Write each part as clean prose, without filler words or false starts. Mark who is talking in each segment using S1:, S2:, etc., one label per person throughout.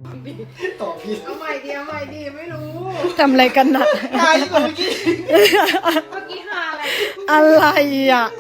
S1: ต่อผิด
S2: เอาใหม่ดีไม่รู้
S3: ทำอะไรกันนะ
S1: ตายที่เมื่อกี้
S2: เมื่อกี้หาอะไร
S3: อะไรอ่ะ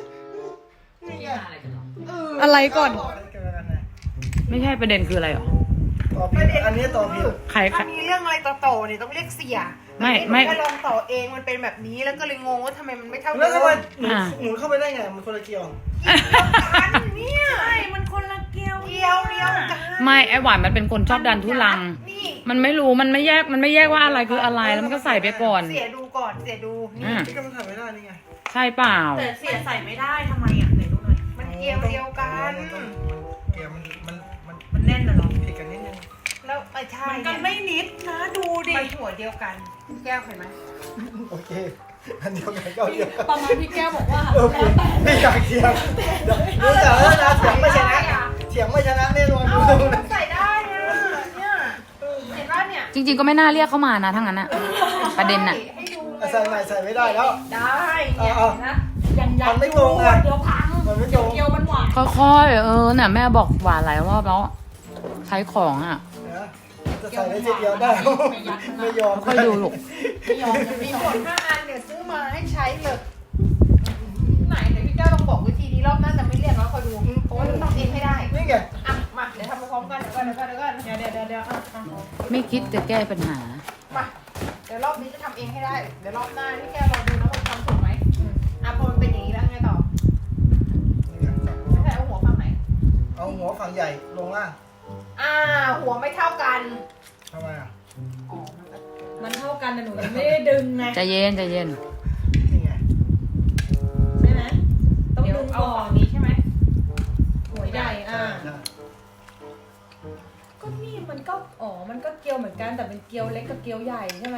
S3: อะไรก่อน
S4: ไม่ใช่ประเด็นคืออะไรหรอ
S1: ต่อผิดอันนี้ต่อผิด
S4: ใคร
S2: ถ้ามีเรื่องอะไรต่อเนี่ยต้องเรียกเสีย
S4: ไม่
S2: แค่ลองต่อเองมันเป็นแบบนี้แล้วก็เลยงงว่าทำไมมันไม่เท่า
S1: แล้วทำไม
S2: เดิม
S1: หนูเข้าไปได้ไงมันคนละเกี่ยว
S2: กันเนี่ยใช่มันคนละเกี่ยวเดียวกัน
S4: ไม่ไอหวานมันเป็นคนชอบดันทุลัง
S2: นี่
S4: มันไม่รู้มันไม่แยกว่าอะไรคืออะไรแล้วมันก็ใส่ไปก่อน
S2: เสียดูก่อนเสียดูนี่
S1: ที่ก็มันทำไม่ได้นี่ไง
S4: ใช่เปล่า
S2: แต่เสียใส่ไม่ได้ทำไมอ่ะไหนดูหน่อยมันเกี่ยวเดียวกัน
S1: เกี่ยวมัน
S2: มันแน่นนะหรอ
S1: ผิดกันนิดนึง
S2: แล้วใช่
S5: มันไม่นิดนะดูดิ
S2: มันหัวเดียวกันแก้วเห็นไหม
S1: โอเคอันเดียวกันก็เดียวกัน
S5: ประมาณพี่แก้วบอกว่า
S1: ไม่อยากเถียงรู้แต่ว่านะเถียงไม่ชนะเถียงไม่ชนะแน่นอน
S2: เอามันใส่ได้เนี่ยเห็นป่ะเนี่ย
S4: จริง ๆ ก็ไม่น่าเรียกเข้ามานะทั้งนั้นอะประเด็นอะ
S2: ให้ดู
S1: ใส่ใหม่ใส่ไม่ได้แล้ว
S2: ได้เนี่ยนะ
S5: ยังยั
S1: มันไม่ตรงไง
S5: เดี๋ยวพัง
S1: มันไม่ตรง
S5: เกียวมันหวาน
S4: ค่อยๆเนี่ยแม่บอกหวานหลายรอบแล้วใช้ของอะ
S1: จะใส่ได้ทีเดียวได้ไม่ยอม
S4: ค่อยดูลูก
S5: ไม่ยอมจะ
S2: มี
S5: ไม่ยอ
S2: หม
S5: ม
S2: ด5 อันเนี่ยซื้อมาให้ใช้เลยไหนเดี๋ยวพี่เจ้าลองบอกวิธีนี้รอบหน้าจะไม่เรียกแล้วคอยดูเพราะว่าต้องทำเองให้ได้
S1: นี่ไง
S2: อ่ะมาเดี๋ยวทำพร้อมกันเดี๋ยวก่อน
S5: เดี๋ยว
S4: ไม่คิดจะแก้ปัญหา
S2: มาเดี๋ยวรอบนี้จะทำเองให้ได้เดี๋ยวรอบหน้าพี่แกลองดูนะว่าทำถูกไหมอ่ะพอมันเป็นอย่างนี้แล้วไงต่อไม่ใช่เอาหัวฝั่งไหน
S1: เอาหัวฝั่งใหญ่ลงล่าง
S2: หัวไม่เท่ากัน
S1: ทำไมอ่ะ
S5: มันเท่ากันนะหนูยังไม่ได้ดึงไง
S4: ใจเย็น
S1: นี่ไง
S5: ใช่ไหมต้อง
S2: เดี๋ยว
S5: ดึง
S2: เอา
S5: ก่อ
S2: ฝั่
S5: น
S2: งนี้ใช่ไหม
S5: หัวใหญ่อ่ะ
S1: ใช่
S5: ก็นี่มันก็มันก็เกียวเหมือนกันแต่เป็นเกียวเล็กกับเกียวใหญ่ใช่ไหม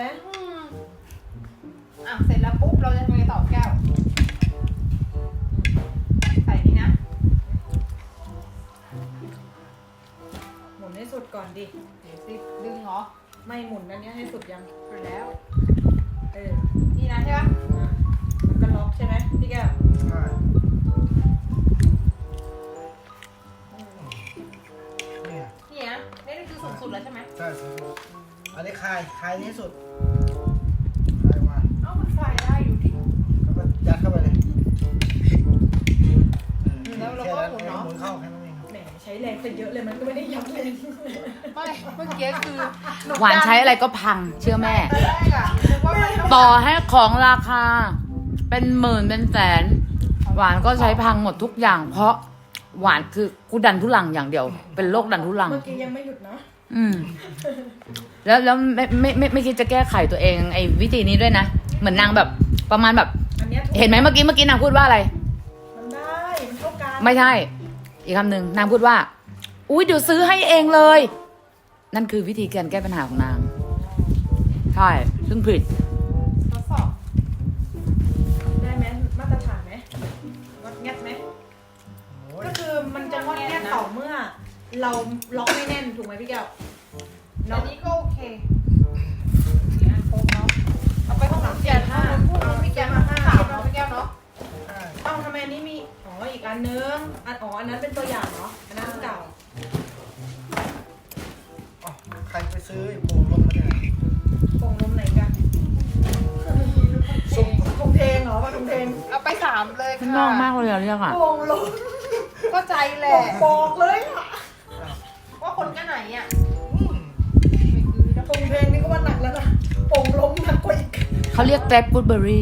S2: เสร็จแล้วปุ๊บเราจะทำไงต่อแก้วใส่นี่นะ
S5: หมุนให้สุดก่อนดิ
S2: เดี๋ยวสิดึงเหรอ
S5: ไม่หมุนอันเนี้ยให้สุดยัง
S2: ไปแล้ว
S5: เออ
S2: นี่นะใช่ปะ
S5: มันก็ล็อกใช่ไหมพี่แก้ว
S1: ใช่นี่
S2: นี่นะนี่คือสูงสุดแล้วใช่ไหม
S1: ใช่อันนี้คลายนี้สุดคลายมา
S2: เอ้ามันคลายได้อยู่ดิ
S1: แล้วก็ยัดเข้าไปเลย
S2: แล้วเราก็หมุนเนาะ
S1: หมุนเข้าแค่นั้นเอง
S5: แหมใช้แรงไปเยอะเลยมันก็ไม่ได้ยับเลย
S2: ไม่เมื่อกี้คือ
S4: หวานใช้อะไรก็พังเชื่อแม่
S2: ตอนแรกอะนึกว่ามันต้อง
S4: ต่อให้ของราคา เป็นหมื่นเป็นแสน หวานก็ใช้พังหมดทุกอย่าง เพราะหวานคือกูดันทุลังอย่างเดียว เป็นโรคดันทุลัง
S5: เมื่อกี้ยังไม่หยุดนะ
S4: อืมแล้วไม่คิดจะแก้ไขตัวเองไอ้วิธีนี้ด้วยนะ เหมือนนางแบบประมาณแบบ
S5: อันเนี้ยถูก
S4: เห็นไหมเมื่อกี้นางพูดว่าอะไร
S5: มันได้มันเท่ากัน
S4: ไม่ใช่ อีกคำหนึ่งนางพูดว่า อุ้ยเดี๋ยวซื้อให้เองเลย นั่นคือวิธีการแก้ปัญหาของนาง ใช่ ซึ่งผิด
S2: ทดสอบ
S5: ได้ไหมมาตรฐานไหมวัดแงดไหม
S1: โอ้ย
S5: ก็คือมันจะงดแงดต่อเมื่อ เราล็อกไม่แน่นถูกไหมพี่แก้ว
S2: อันนี้ก็โอเคนี่อันโค้งเนาะเอาไปห้องน้ำเสียห้าพูดพี่แก้วมา5เราพี่แก้วเนาะ
S1: ใช่
S5: เอ้าทำไมอันนี้มี อีกอันนึงอันนั้นเป็นตัวอย่างเนาะ อันนั้นเก่า
S1: อ๋อใครไปซื้อไอ้โป่งลงมาเนี่ย
S5: ปงลมไหนกันทงเทงเหรอว่าทงเทง
S2: เอาไป3เลยค่ะ
S4: ข้างนอกมากเลยอะเรียกอะ
S5: ปงลม
S2: ก็ใจแหละ
S5: บอกเลยอ่ะ
S2: ว่าคนกันไหนอ่ะ
S1: อืม
S2: ไม่คือนะ
S5: ทงเทงนี่ก็ว่าหนักแล้วนะปงลมหนักกว่าอีก
S4: เขาเรียกแกร็บกูดเบอรี่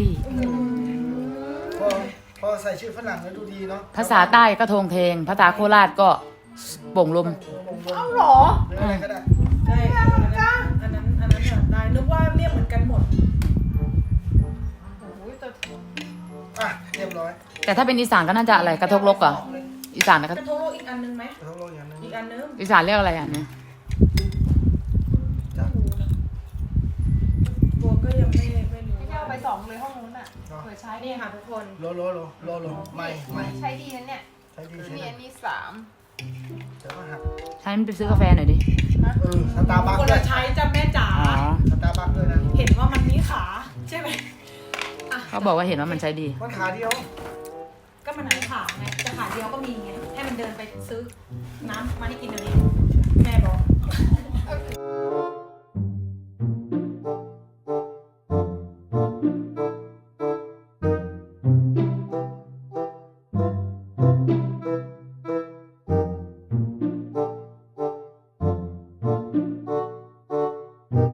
S1: พอใส่ชื่อฝรั่งแล้วดูดีเนาะ
S4: ภาษาใต้ก็ทงเทง ภาษาโคราชก็โป่งลม
S2: เอ้าเหรอ
S1: หรืออะไรก็ได้
S5: ได้อันนั้นอ่ะได้นึกว่าเรียกเหมือนกันหมด
S2: โอ้ยแต่
S1: อ่ะเรียบร้อย
S4: แต่ถ้าเป็นอีสานก็น่าจะอะไรกระทกลกเหรออีสานนะ
S5: กระทงโลกอีกอันนึงไหม
S1: กระทบโลกอย่างนึง
S5: อีกอันนึง
S4: อีสานเรียกอะไรอ่ะเนี่ย
S1: จ้ะ
S5: ตัวก็ยังไม่รู้
S2: พี่แก้วเอาไป2เลยห้องนู้นอ่ะเผื่อใช้
S5: นี่ค่ะทุกคน
S1: โลไม่
S2: ใช้ดีนะเนี่ย
S1: ใช้ดี
S2: มี
S1: ใช่
S2: อัน
S1: ไหม
S2: นี้3
S1: เดี๋ยวก็หัก
S4: ใช้มันไปซื้อกาแฟหน่อยดิ
S1: สตาร์บัค
S5: คน
S1: ด้ว
S5: ละ
S1: ย
S5: ใช้จ้ะแม่จ๋า
S4: อ๋อ
S1: สตาร์บัคด้วยนะ
S5: เห็นว่ามันมีขาใช่ไหมอ่ะ
S4: เขาบอกว่าเห็นว่ามันใช้ดี
S1: มันขาเดียว
S5: ก็มันหาขาไงจะขาเดียวก็มีไงให้มันเดินไปซื้อน้ำมาให้กินเดี๋ยวนี้แม่บอก
S2: โอเค